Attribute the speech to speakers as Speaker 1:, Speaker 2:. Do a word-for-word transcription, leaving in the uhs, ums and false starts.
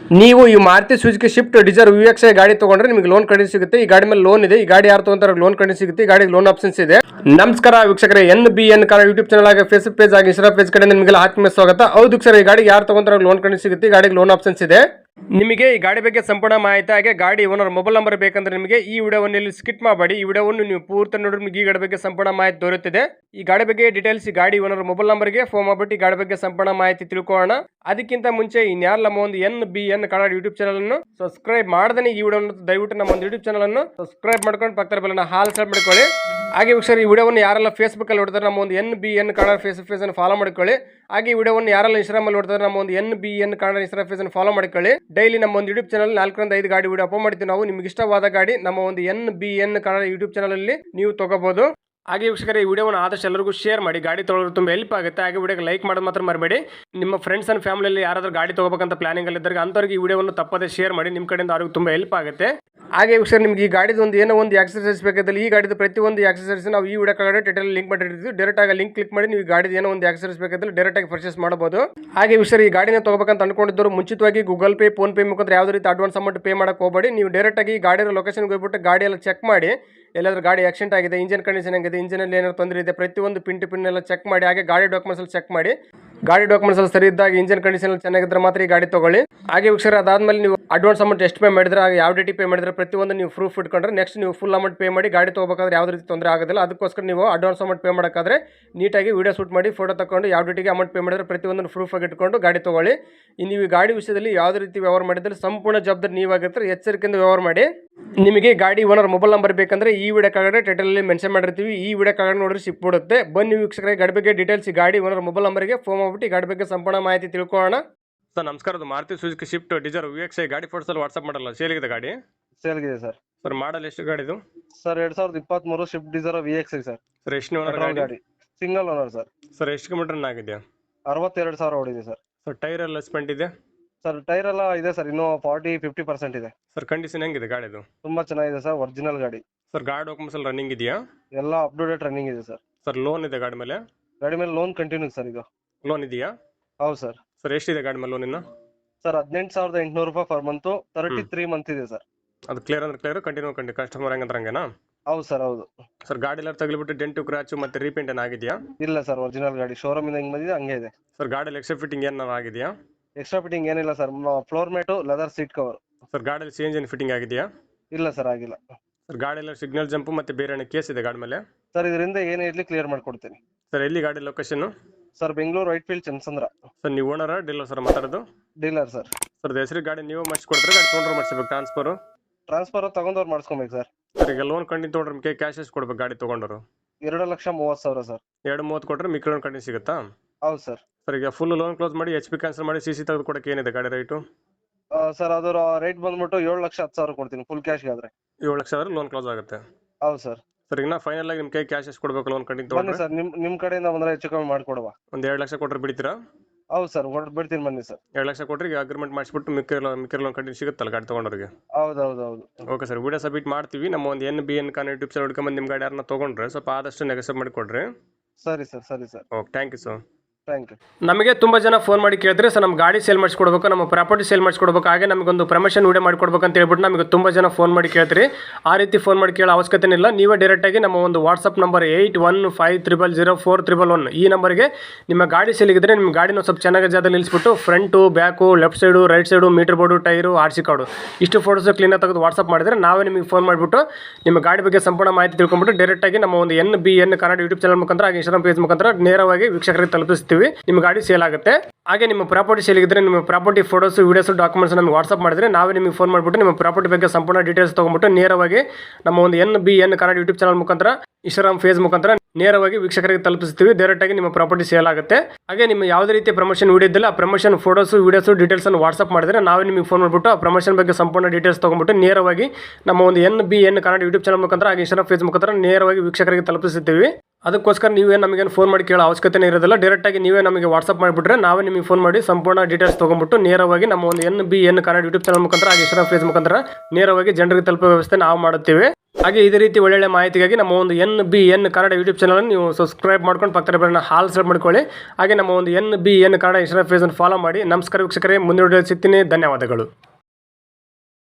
Speaker 1: ನೀವು ಈ Maruti Suzuki Swift Dzire V X I ಗಾಡಿ ತಗೊಂಡ್ರೆ ನಿಮಗೆ ಲೋನ್ ಕಡಿಮೆ ಸಿಗುತ್ತೆ. ಈ ಗಾಡಿ ಮೇಲೆ ಲೋನ್ ಇದೆ. ಈ ಗಾಡಿ ಯಾರು ತಗೊಂತಾರೆ ಲೋನ್ ಕಡಿಮೆ ಸಿಗುತ್ತೆ. ಈ ಗಾಡಿಗೆ ಲೋನ್ ಆಪ್ಷನ್ಸ್ ಇದೆ. ನಮಸ್ಕಾರ ವೀಕ್ಷಕರೇ, N B N Kannada YouTube channel ಆಗಿ ಫೇಸ್ಬುಕ್ ಪೇಜ್ ಆಗಿ ಇನ್ಸ್ಟಾ ಪೇಜ್ ಕಡೆ ನಿಮಗೆಲ್ಲ ಆತ್ಮೀಯ ಸ್ವಾಗತ. ಹೌದು ಸರ್, ಈ ಗಾಡಿಗೆ ಯಾರು ತಗೊಂತಾರೆ ಲೋನ್ ಕಡಿಮೆ ಸಿಗುತ್ತೆ. ಈ ಗಾಡಿಗೆ ಲೋನ್ ಆಪ್ಷನ್ಸ್ ಇದೆ. ನಿಮಗೆ ಈ ಗಾಡಿ ಬಗ್ಗೆ ಸಂಪೂರ್ಣ ಮಾಹಿತಿ ಹಾಗೆ ಗಾಡಿ ಓನರ್ ಮೊಬೈಲ್ ನಂಬರ್ ಬೇಕಂದ್ರೆ ನಿಮಗೆ ಈ ವಿಡಿಯೋವನ್ನು ಇಲ್ಲಿ ಸ್ಕಿಪ್ ಮಾಡಬೇಡಿ. ಈ ವಿಡಿಯೋವನ್ನು ನೀವು ಪೂರ್ತಿ ನೋಡಿದ್ರೆ ನಿಮಗೆ ಈ ಗಾಡಿ ಬಗ್ಗೆ ಸಂಪೂರ್ಣ ಮಾಹಿತಿ ದೊರೆಯುತ್ತದೆ. ಈ ಗಾಡಿ ಬಗ್ಗೆ ಡೀಟೇಲ್ಸ್ ಈ ಗಾಡಿ ಓನರ್ ಮೊಬೈಲ್ ನಂಬರ್ಗೆ ಫೋನ್ ಮಾಡಿಬಿಟ್ಟು ಈ ಗಾಡಿ ಬಗ್ಗೆ ಸಂಪೂರ್ಣ ಮಾಹಿತಿ ತಿಳ್ಕೊಳ್ಳೋಣ. ಅದಕ್ಕಿಂತ ಮುಂಚೆ ಇನ್ಯಾರ ನಮ್ಮ ಒಂದು N B N Kannada YouTube channel ಅನ್ನು ಸಬ್ಸ್ಕ್ರೈಬ್ ಮಾಡದೇ ಈ ವಿಡಿಯೋ ದಯವಿಟ್ಟು ನಮ್ಮ ಒಂದು ಯೂಟ್ಯೂಬ್ ಚಾನಲ್ ಅನ್ನು ಸಬ್ಸ್ಕ್ರೈಬ್ ಮಾಡ್ಕೊಂಡು ಪಕ್ಕದ ಬೆಲ್ಲನ್ನ ಹಾಲ್ ಸೆಟ್ ಮಾಡ್ಕೊಳ್ಳಿ. ಹಾಗೆ ವೀಕ್ಷಕರು, ಈ ವಿಡಿಯೋವನ್ನು ಯಾರೆಲ್ಲ ಫೇಸ್ಬುಕ್ ಅಲ್ಲಿ ನೋಡ್ತಾರೆ ನಮ್ಮ ಒಂದು N B N Kannada Facebook page ಅನ್ನು ಫಾಲೋ ಮಾಡ್ಕೊಳ್ಳಿ. ಹಾಗೆ ಈ ವಿಡಿಯೋವನ್ನು ಯಾರೆಲ್ಲ ಇನ್ಸ್ಟಾಗ್ರಾಮ್ ಅಲ್ಲಿ ನೋಡ್ತಾರೆ ನಮ್ಮ ಒಂದು N B N Kannada Instagram page ಅನ್ನು ಫಾಲೋ ಮಾಡ್ಕೊಳ್ಳಿ. ಡೈಲಿ ನಮ್ಮ ಒಂದು ಯೂಟ್ಯೂಬ್ ಚಾನಲ್ ನಾಲ್ಕರಿಂದ ಐದು ಗಾಡಿ ವಿಡಿಯೋ ಅಪ್ಲೋಡ್ ಮಾಡ್ತೀವಿ. ನಾವು ನಿಮ್ಗೆ ಇಷ್ಟವಾದ ಗಾಡಿ ನಮ್ಮ ಒಂದು N B N Kannada YouTube channel ಅಲ್ಲಿ ನೀವು ತಗೋಬಹುದು. ಹಾಗೆ ವೀಕ್ಷಕರೇ, ಈ ವಿಡಿಯೋವನ್ನು ಆದಷ್ಟು ಎಲ್ಲರಿಗೂ ಶೇರ್ ಮಾಡಿ. ಗಾಡಿ ತೊಗೊಳ್ಳೋದು ತುಂಬ ಹೆಲ್ಪ್ ಆಗುತ್ತೆ. ಹಾಗೆ ವಿಡಿಯೋಗೆ ಲೈಕ್ ಮಾಡೋದು ಮಾತ್ರ ಮರಬೇಡಿ. ನಿಮ್ಮ ಫ್ರೆಂಡ್ಸ್ ಅಂಡ್ ಫ್ಯಾಮಿಲಿಯಲ್ಲಿ ಯಾರಾದರೂ ಗಾಡಿ ತಗೋಬೇಕಂತ ಪ್ಲಾನಿಂಗ್ ಅಲ್ಲಿ ಇದ್ದಾರೆ ಅಂಥವ್ರಿಗೆ ಈ ವಿಡಿಯೋವನ್ನು ತಪ್ಪದೇ ಶೇರ್ ಮಾಡಿ. ನಿಮ್ಮ ಕಡೆಯಿಂದ ಅವ್ರಿಗೆ ತುಂಬ ಹೆಲ್ಪ್ ಆಗುತ್ತೆ. ಹಾಗೆ ವೀಕ್ಷಕರು, ನಿಮ್ಗೆ ಈ ಗಾಡಿದು ಒಂದು ಏನೋ ಒಂದು ಎಕ್ಸರ್ಸೈಸ್ ಬೇಕಾದಲ್ಲಿ ಈ ಗಾಡಿದು ಪ್ರತಿಯೊಂದು ಎಕ್ಸರ್ಸೈಸ್ ನಾವು ಈ ವಿಡಿಯೋ ಕೆಳಗಡೆ ಟೈಟಲ್ ಲಿಂಕ್ ಮಾಡಿರ್ತೀವಿ. ಡೈರೆಕ್ಟ್ ಆಗಿ ಲಿಂಕ್ ಕ್ಲಿಕ್ ಮಾಡಿ ನೀವು ಈ ಗಾಡಿದು ಏನೋ ಒಂದು ಎಕ್ಸರ್ಸೈಸ್ ಬೇಕಾದಲ್ಲಿ ಡೈರೆಕ್ಟ್ ಆಗಿ ಪರ್ಚೇಸ್ ಮಾಡಬಹುದು. ಹಾಗೆ ವೀಕ್ಷಕರು, ಈ ಗಾಡಿನ ತಗೋಬೇಕಂತ ಅನ್ಕೊಂಡಿದ್ದವರು ಮುಂಚಿತವಾಗಿ ಗೂಗಲ್ ಪೇ, ಫೋನ್ ಪೇ ಮುಖಾಂತರ ಯಾವುದೇ ರೀತಿ ಅಡ್ವಾನ್ಸ್ ಅಮೌಂಟ್ ಪೇ ಮಾಡಕ್ಕೆ ಹೋಗಬೇಡಿ. ನೀವು ಡೈರೆಕ್ಟ್ ಆಗಿ ಗಾಡಿಯ ಲೊಕೇಶನ್ಗೆ ಹೋಗ್ಬಿಟ್ಟು ಗಾಡಿ ಎಲ್ಲ ಚೆಕ್ ಮಾಡಿ. ಎಲ್ಲಾದ್ರೂ ಗಾಡಿ ಆಕ್ಸಿಡೆಂಟ್ ಆಗಿದೆ, ಇಂಜಿನ್ ಕಂಡೀಷನ್ ಆಗಿದೆ, ಇಂಜಿನಲ್ಲಿ ಏನಾದ್ರು ತೊಂದರೆ ಇದೆ, ಪ್ರತಿಯೊಂದು ಪಿನ್ ಟು ಪಿನ್ ಎಲ್ಲ ಚೆಕ್ ಮಾಡಿ. ಹಾಗೆ ಗಾಡಿ ಡಾಕ್ಯುಮೆಂಟ್ಸ್ ಅಲ್ಲಿ ಚೆಕ್ ಮಾಡಿ. ಗಾಡಿ ಡಾಕ್ಯುಮೆಂಟ್ಸ್ ಅಲ್ಲಿ ಸರಿ ಇದ್ದಾಗ, ಇಂಜಿನ್ ಕಂಡೀಷನ್ ಚೆನ್ನಾಗಿದ್ರೆ ಮಾತ್ರ ಈ ಗಾಡಿ ತಗೊಳ್ಳಿ. ಹಾಗೆ ವೀಕ್ಷಕರು, ಅದಾದ್ಮೇಲೆ ನೀವು ಅಡ್ವಾನ್ಸ್ ಅಮೌಂಟ್ ಎಷ್ಟು ಪೇ ಮಾಡಿದ್ರೆ, ಹಾಗೆ ಯಾವ ಡೇಟಿ ಪೇ ಮಾಡಿದ್ರೆ ಪ್ರತಿಯೊಂದು ನೀವು ಪ್ರೂಫ್ ಇಟ್ಕೊಂಡ್ರೆ ನೆಕ್ಸ್ಟ್ ನೀವು ಫುಲ್ ಅಮೌಂಟ್ ಪೇ ಮಾಡಿ ಗಾಡಿ ತಗೋಬೇಕಾದ್ರೆ ಯಾವುದೇ ರೀತಿ ತೊಂದರೆ ಆಗೋದಿಲ್ಲ. ಅದಕ್ಕೋಸ್ಕರ ನೀವು ಅಡ್ವಾನ್ಸ್ ಅಮೌಂಟ್ ಪೇ ಮಾಡೋಕ್ಕಾದ್ರೆ ನೀಟಾಗಿ ವಿಡಿಯೋ ಶೂಟ್ ಮಾಡಿ ಫೋಟೋ ತಗೊಂಡು ಯಾವ ಡೇಟಿಗೆ ಅಮೌಂಟ್ ಪೇ ಮಾಡಿದ್ರೆ ಪ್ರತಿಯೊಂದು ಪ್ರೂಫ್ ಆಗಿ ಇಟ್ಕೊಂಡು ಗಾಡಿ ತಗೊಳ್ಳಿ. ನೀವು ಈ ಗಾಡಿ ವಿಷಯದಲ್ಲಿ ಯಾವುದೇ ರೀತಿ ವ್ಯವಹಾರ ಮಾಡಿದ್ರೆ ಸಂಪೂರ್ಣ ಜವಾಬ್ದಾರಿ ನೀವಾಗಿರ್ತಾರೆ. ಎಚ್ಚರಿಕೆಯಿಂದ ವ್ಯವಹಾರ ಮಾಡಿ. ನಿಮಗೆ ಗಾಡಿ ಓನರ್ ಮೊಬೈಲ್ ನಂಬರ್ ಬೇಕಂದ್ರೆ ಈ ವಿಡಿಯೋ ಕೆಳಗಡೆ ಟೈಟಲ್ ಅಲ್ಲಿ ಮೆನ್ಷನ್ ಮಾಡಿರ್ತೀವಿ. ಈ ವಿಡಿಯೋ ಕೆಳಗಡೆ ನೋಡ್ರಿ ಸಿಕ್ಬಿಡುತ್ತೆ. ಬನ್ನಿ ವೀಕ್ಷಕರೇ, ಗಾಡಿ ಬಗ್ಗೆ ಡೀಟೇಲ್ಸ್ ಗಾಡಿ ಓನರ್ ಮೊಬೈಲ್ ನಂಬರ್ಗೆ ಫೋನ್ ಮಾಡ್ಬಿಟ್ಟು ಗಾಡಿ ಬಗ್ಗೆ ಸಂಪೂರ್ಣ ಮಾಹಿತಿ ತಿಳ್ಕೊಳ್ಳೋಣ. ಸರ್ ನಮಸ್ಕಾರ, ಅದು Maruti Suzuki Swift Dzire V X I ಗಾಡಿ ಫೋಟೋಸ್ ಅಲ್ಲಿ ವಾಟ್ಸ್ಆಪ್ ಮಾಡಲ್ಲ, ಸೇಲ್ಗಿದೆ ಗಾಡಿ?
Speaker 2: ಸೇಲ್ಗಿದೆ ಸರ್.
Speaker 1: ಸರ್ ಮಾಡಲ್ ಎಷ್ಟು ಗಾಡಿದು?
Speaker 2: ಸರ್ ಎರಡ್ ಸಾವಿರದ ಇಪ್ಪತ್ತ್ ಮೂರು Swift Dzire V X I sir.
Speaker 1: Sir ಎಷ್ಟು ಓನರ್
Speaker 2: ಗಾಡಿ? Single owner sir.
Speaker 1: ಸರ್ ಎಷ್ಟು ಕಿಲೋಮೀಟರ್ ಆಗಿದೆಯಾ?
Speaker 2: ಅರವತ್ತೆರಡು ಸಾವಿರ ಓಡಿದೆ ಸರ್.
Speaker 1: ಸರ್ ಟೈರ್ ಎಲ್ಲ ಸ್ಪೆಂಟ್ ಇದೆ?
Speaker 2: ಸರ್ ಟೈರ್ ಎಲ್ಲ ಇದೆ ಸರ್, ಇನ್ನೂ ಫಾರ್ಟಿ ಫಿಫ್ಟಿ ಪರ್ಸೆಂಟ್ ಇದೆ.
Speaker 1: ಸರ್ ಕಂಡೀಷನ್ ಹೆಂಗಿದೆ ಗಾಡಿದು?
Speaker 2: ತುಂಬಾ ಚೆನ್ನಾಗಿದೆ ಸರ್, ಒರಿಜಿನಲ್ ಗಾಡಿ.
Speaker 1: ಸರ್ ಗಾಡಿ ಡಾಕ್ಯುಮೆಂಟ್ಸ್ ಎಲ್ಲ ರನ್ನಿಂಗ್ ಇದೆಯಾ?
Speaker 2: ಎಲ್ಲ ಅಪ್ ಟು ಡೇಟ್ ರನ್ನಿಂಗ್ ಇದೆ ಸರ್.
Speaker 1: ಸರ್ ಲೋನ್ ಇದೆ ಗಾಡಿ ಮೇಲೆ?
Speaker 2: ಗಾಡಿ ಮೇಲೆ ಲೋನ್ ಕಂಟಿನ್ಯೂ ಸರ್. ಇದು
Speaker 1: ಲೋನ್ ಇದೆಯಾ?
Speaker 2: ಹೌದು ಸರ್.
Speaker 1: ಸರ್ ಎಷ್ಟಿದೆ ಗಾಡಿ ಮೇಲೆ ಲೋನ್ ಇನ್ನು?
Speaker 2: ಸರ್ ಹದಿನೆಂಟು ಸಾವಿರದ ಎಂಟುನೂರು ರೂಪಾಯಿ per month, thirty three month ಇದೆ ಸರ್.
Speaker 1: ಅದು ಕ್ಲಿಯರ್ ಅಂದ್ರೆ ಕ್ಲಿಯರ್, ಕಂಟಿನ್ಯೂ ಕಂಡಿ ಕಸ್ಟಮರ್ ಹಂಗಂದ್ರೆ ಹಂಗೇನಾ?
Speaker 2: ಹೌದು ಸರ್, ಹೌದು.
Speaker 1: ಸರ್ ಗಾಡಿ ಎಲ್ಲ ತಗಲಿಬಿಟ್ಟು ಡೆಂಟು ಕ್ರಾಚು ಮತ್ತೆ ರೀಪೇಂಟ್ ಏನ್ ಆಗಿದೆಯಾ?
Speaker 2: ಇಲ್ಲ ಸರ್, ಒರಿಜಿನಲ್ ಗಾಡಿ ಶೋರೂಮ್ ಇಂದ ಹೆಂಗ್ ಬಂದಿದೆ ಹಂಗೆ ಇದೆ.
Speaker 1: ಸರ್ ಗಾಡಿ ಎಕ್ಸ್ಟ್ರಾ ಫಿಟ್ಟಿಂಗ್ ಏನಾರು ಆಗಿದೆಯಾ?
Speaker 2: ಎಕ್ಸ್ಟ್ರಾ ಫಿಟ್ಟಿಂಗ್ ಏನಿಲ್ಲ sir, floor mat, leather seat cover.
Speaker 1: Sir ಗಾಡಿಯಲ್ಲಿ ಚೇಂಜ್ ಏನು ಫಿಟ್ಟಿಂಗ್ ಆಗಿದೆಯಾ?
Speaker 2: ಇಲ್ಲ ಸರ್, ಆಗಿಲ್ಲ.
Speaker 1: ಸರ್ ಗಾಡಿ ಎಲ್ಲ ಸಿಗ್ನಲ್ ಜಂಪ್ ಮತ್ತೆ ಬೇರೆ ಏನೋ ಕೇಸ್ ಇದೆ ಗಾಡಿ ಮೇಲೆ?
Speaker 2: ಸರ್ ಇದರಿಂದ ಏನೇ ಇರ್ಲಿ ಕ್ಲಿಯರ್ ಮಾಡ್ಕೊಡ್ತೀನಿ.
Speaker 1: ಸರ್ ಎಲ್ಲಿ ಗಾಡಿ location?
Speaker 2: Sir Bengaluru Whitefield Chandsandra.
Speaker 1: Sir ನೀವು ಓನರ ಡೀಲರ್ ಸರ್ ಮಾತಾಡೋದು?
Speaker 2: Dealer sir.
Speaker 1: ಸರ್ ಹೆಸರು ಗಾಡಿ ನೀವು ಮಾಡಿಸ್ಕೊಡ್ತಾರೆ, ಗಾಡಿ ತೊಗೊಂಡ್ರೆ ಮಾಡಿಸ್ಬೇಕು ಟ್ರಾನ್ಸ್ಫರ್?
Speaker 2: ಟ್ರಾನ್ಸ್ಫರ್ ತಗೊಂಡವ್ರು ಮಾಡಿಸ್ಕೊಬೇಕು ಸರ್.
Speaker 1: ಸರ್ ಈಗ ಲೋನ್ ಕಂಟಿನ್ಯೂ ತೊಗೊಂಡ್ರೆ ನಿಮಗೆ ಕ್ಯಾಶ್ ಎಷ್ಟು ಕೊಡ್ಬೇಕು ಗಾಡಿ ತೊಗೊಂಡರು?
Speaker 2: ಎರಡು ಲಕ್ಷ ಮೂವತ್ತು ಸಾವಿರ ಸರ್.
Speaker 1: ಎರಡು ಮೂವತ್ತು ಕೊಟ್ಟರೆ ಮಿಕ್ಕಿ ಲೋನ್ ಕಂಟಿನ್ಯೂ ಸಿಗುತ್ತಾ?
Speaker 2: ಹೌದು ಸರ್.
Speaker 1: ಸರ್ ಈಗ ಫುಲ್ ಲೋನ್ ಕ್ಲೋಸ್ ಮಾಡಿ ಎಚ್ ಪಿ ಕ್ಯಾನ್ಸಲ್ ಮಾಡಿ ಸಿ ಸಿ ತೆಗೆದು ಕೊಡಕ್ಕೆ ಏನಿದೆ ಗಾಡಿ ರೇಟು?
Speaker 2: ಸರ್ ಅದರ ರೇಟ್ ಬಂದ್ಬಿಟ್ಟು ಏಳು ಲಕ್ಷ ಹತ್ತು ಸಾವಿರ ಕೊಡ್ತೀನಿ ಫುಲ್ ಕ್ಯಾಶ್ಗೆ ಆದ್ರೆ.
Speaker 1: ಏಳು ಲಕ್ಷ ಆದ್ರೆ ಲೋನ್ ಕ್ಲೋಸ್ ಆಗುತ್ತೆ?
Speaker 2: ಹೌದು ಸರ್.
Speaker 1: ಸರ್ ಈಗ ಫೈನಲ್ ಆಗಿ ನಿಮ್ಮ ಕೈ ಕ್ಯಾಶ್ ಎಷ್ಟು ಕೊಡಬೇಕು ಲೋನ್ ಕಂಟಿನ್ಯೂ ತೊಗೊಂಡ್ರೆ?
Speaker 2: ಬನ್ನಿ ಸರ್, ನಿಮ್ ನಿಮ್ ಕಡೆಯಿಂದ ಬಂದ್ರೆ ಹೆಚ್ಚು ಕಮ್ಮಿ ಮಾಡ್ಕೊಡುವ.
Speaker 1: ಒಂದು ಎರಡು ಲಕ್ಷ ಕೊಟ್ಟರೆ ಬಿಡ್ತೀರಾ?
Speaker 2: ಹೌದು ಸರ್, ಬಿಡ್ತೀನಿ ಬನ್ನಿ ಸರ್.
Speaker 1: ಎರಡು ಲಕ್ಷ ಕೊಟ್ಟರೆ ಈಗ ಅಗ್ರಿಮೆಂಟ್ ಮಾಡಿಸ್ಬಿಟ್ಟು ಮಿಕ್ಕಿ ಮಿಕ್ಕಿ ಲೋನ್ ಕಂಟಿನ್ಯೂ ಸಿಗುತ್ತಲ್ಲ ಗಾಡಿ ತೊಗೊಂಡ್ರಿಗೆ?
Speaker 2: ಹೌದು ಹೌದು ಹೌದು.
Speaker 1: ಓಕೆ ಸರ್, ವಿಡಿಯೋ ಸಬ್ಮಿಟ್ ಮಾಡ್ತೀವಿ. ನಮ್ಮ ಒಂದು ಎನ್ ಬಿ ಎನ್ ಕಾನ್ ಯೂಟ್ಯೂಬ್ ಚಾನಲ್ ಹುಡ್ಕೊಂಬಂದು ನಿಮ್ಮ ಗಾಡಿ ಯಾರನ್ನ ತೊಗೊಂಡ್ರೆ ಸ್ವಲ್ಪ ಆದಷ್ಟು ನೆಗೆಸಬ್ ಮಾಡಿ ಕೊಡ್ರಿ.
Speaker 2: ಸರಿ ಸರ್, ಸರಿ sir.
Speaker 1: Okay, thank you sir.
Speaker 2: Thank you.
Speaker 1: ನಮಗೆ ತುಂಬ ಜನ ಫೋನ್ ಮಾಡಿ ಕೇಳಿದ್ರೆ ಸರ್ ನಮ್ಮ ಗಾಡಿ ಸೇಲ್ ಮಾಡಿಸ್ಕೊಡ್ಬೇಕು, ನಮ್ಮ ಪ್ರಾಪರ್ಟಿ ಸೇಲ್ ಮಾಡಿಸ್ಕೊಡ್ಬೇಕು, ಹಾಗೆ ನಮಗೊಂದು ಪ್ರಮೋಷನ್ ವಿಡಿಯೋ ಮಾಡಿಕೊಡ್ಬೇಕು ಅಂತ ಹೇಳ್ಬಿಟ್ಟು ನಮಗೆ ತುಂಬ ಜನ ಫೋನ್ ಮಾಡಿ ಕೇಳ್ತೀರಿ. ಆ ರೀತಿ ಫೋನ್ ಮಾಡಿ ಕೇಳೋ ಅವಶ್ಯಕತೆ ಇಲ್ಲ. ನೀವೇ ಡೈರೆಕ್ಟಾಗಿ ನಮ್ಮ ಒಂದು WhatsApp number eight one five triple zero four triple one ಈ ನಂಬರ್ಗೆ ನಿಮ್ಮ ಗಾಡಿ ಸೇಲಿಗಿದ್ರೆ ನಿಮ್ಮ ಗಾಡಿನ ಸ್ವಲ್ಪ ಚೆನ್ನಾಗಿ ಜಾಗದಲ್ಲಿ ನಿಲ್ಲಿಸ್ಬಿಟ್ಟು front, back, left side, right side, meter board, tyre, R C card ಇಷ್ಟು ಫೋಟೋಸ್ ಕ್ಲೀನಾಗಿ ತೆಗೆದು ವಾಟ್ಸಪ್ ಮಾಡಿದರೆ ನಾವೇ ನಿಮಗೆ ಫೋನ್ ಮಾಡಿಬಿಟ್ಟು ನಿಮ್ಮ ಗಾಡಿ ಬಗ್ಗೆ ಸಂಪೂರ್ಣ ಮಾಹಿತಿ ತಿಳ್ಕೊಂಡ್ಬಿಟ್ಟು ಡೈರೆಕ್ಟಾಗಿ ನಮ್ಮ ಒಂದು N B N Kannada YouTube channel ಮುಖಾಂತರ ಹಾಗೆ ಇನ್ಸ್ಟಾಗ್ರಾಮ್ ಪೇಜ್ ಮುಖಾಂತರ ನೇರವಾಗಿ ವೀಕ್ಷಕರಿಗೆ ತಲುಪಿಸ್ತೀವಿ. ನಿಮ್ಮ ಗಾಡಿ ಸೇಲ್ ಆಗುತ್ತೆ. ಹಾಗೆ ನಿಮ್ಮ ಪ್ರಾಪರ್ಟಿ ಸೇಲ್ ಇದ್ರೆ ನಿಮ್ಮ ಪ್ರಾಪರ್ಟಿ ಫೋಟೋಸ್, ವಿಡಿಯೋಸ್, ಡಾಕ್ಯುಮೆಂಟ್ಸ್ ನಮಗೆ ವಾಟ್ಸಪ್ ಮಾಡಿದ್ರೆ ನಾವೇ ನಿಮಗೆ ಫೋನ್ ಮಾಡಿಬಿಟ್ಟು ನಿಮ್ಮ ಪ್ರಾಪರ್ಟಿ ಬಗ್ಗೆ ಸಂಪೂರ್ಣ ಡೀಟೇಲ್ಸ್ ತೊಗೊಂಡ್ಬಿಟ್ಟು ನೇರವಾಗಿ ನಮ್ಮ ಒಂದು N B N Kannada YouTube channel ಮುಖಾಂತರ ಇನ್ಸ್ಟಾಗ್ರಾಮ್ ಫೇಸ್ ಮುಖಾಂತರ ನೇರವಾಗಿ ವೀಕ್ಷಕರಿಗೆ ತಲುಪಿಸ್ತೀವಿ. ಡೈರೆಕ್ಟಾಗಿ ನಿಮ್ಮ ಪ್ರಾಪರ್ಟಿ ಸೇಲ್ ಆಗುತ್ತೆ. ಹಾಗೆ ನಿಮ್ಮ ಯಾವುದೇ ರೀತಿಯ ಪ್ರಮೋಷನ್ ವಿಡಿಯೋ ಇದ್ದಿಲ್ಲ, ಆ ಪ್ರಮೋಷನ್ ಫೋಟೋಸ್, ವಿಡಿಯೋಸ್, ಡೀಟೇಲ್ಸ್ ಅನ್ನು ವಾಟ್ಸಪ್ ಮಾಡಿದ್ರೆ ನಾವೇ ನಿಮಗೆ ಫೋನ್ ಮಾಡಿಬಿಟ್ಟು ಆ ಪ್ರಮೋಷನ್ ಬಗ್ಗೆ ಸಂಪೂರ್ಣ ಡೀಟೇಲ್ಸ್ ತೊಗೊಂಡ್ಬಿಟ್ಟು ನೇರವಾಗಿ ನಮ್ಮ ಒಂದು N B N Kannada YouTube channel ಮುಖಾಂತರ ಹಾಗೆ ಇನ್ಸ್ಟಾಗ್ರಾಮ್ ಫೇಸ್ ಮುಖಾಂತರ ನೇರವಾಗಿ ವೀಕ್ಷಕರಿಗೆ ತಲುಪಿಸುತ್ತೀವಿ. ಅದಕ್ಕೋಸ್ಕರ ನೀವೇ ನಮಗೇನು ಫೋನ್ ಮಾಡಿ ಕೇಳೋ ಅವಶ್ಯಕತೆ ಇರೋದಿಲ್ಲ. ಡೈರೆಕ್ಟಾಗಿ ನೀವೇ ನಮಗೆ ವಾಟ್ಸಪ್ ಮಾಡಿಬಿಟ್ರೆ ನಾವೇ ನಿಮಗೆ ಫೋನ್ ಮಾಡಿ ಸಂಪೂರ್ಣ ಡೀಟೇಲ್ಸ್ ತೊಗೊಂಬಿಟ್ಟು ನೇರವಾಗಿ ನಮ್ಮ ಒಂದು N B N Kannada YouTube channel ಮುಖಾಂತರ ಹಾಗೆ ಇನ್ಸ್ಟಾಗ್ರಾಮ್ ಫೇಸ್ ಮುಖಾಂತರ ನೇರವಾಗಿ ಜನರಿಗೆ ತಲುಪೋ ವ್ಯವಸ್ಥೆ ನಾವು ಮಾಡುತ್ತೇವೆ. ಹಾಗೆ ಇದೇ ರೀತಿ ಒಳ್ಳೊಳ್ಳೆ ಮಾಹಿತಿಗಾಗಿ ನಮ್ಮ ಒಂದು N B N Kannada YouTube channel ನೀವು ಸಬ್ಸ್ಕ್ರೈಬ್ ಮಾಡ್ಕೊಂಡು ಪಕ್ಕದ ಬೆಲ್ಲನ್ನ ಹಾಲ್ ಸೆಲೆಕ್ಟ್ ಮಾಡ್ಕೊಳ್ಳಿ. ಹಾಗೆ ನಮ್ಮ ಒಂದು N B N Kannada Instagram ಫೇಸನ್ನು ಫಾಲೋ ಮಾಡಿ. ನಮಸ್ಕಾರ ವೀಕ್ಷಕರೇ, ಮುಂದಿನ ವಿಡಿಯೋ ಸಿಗ್ತೀನಿ. ಧನ್ಯವಾದಗಳು.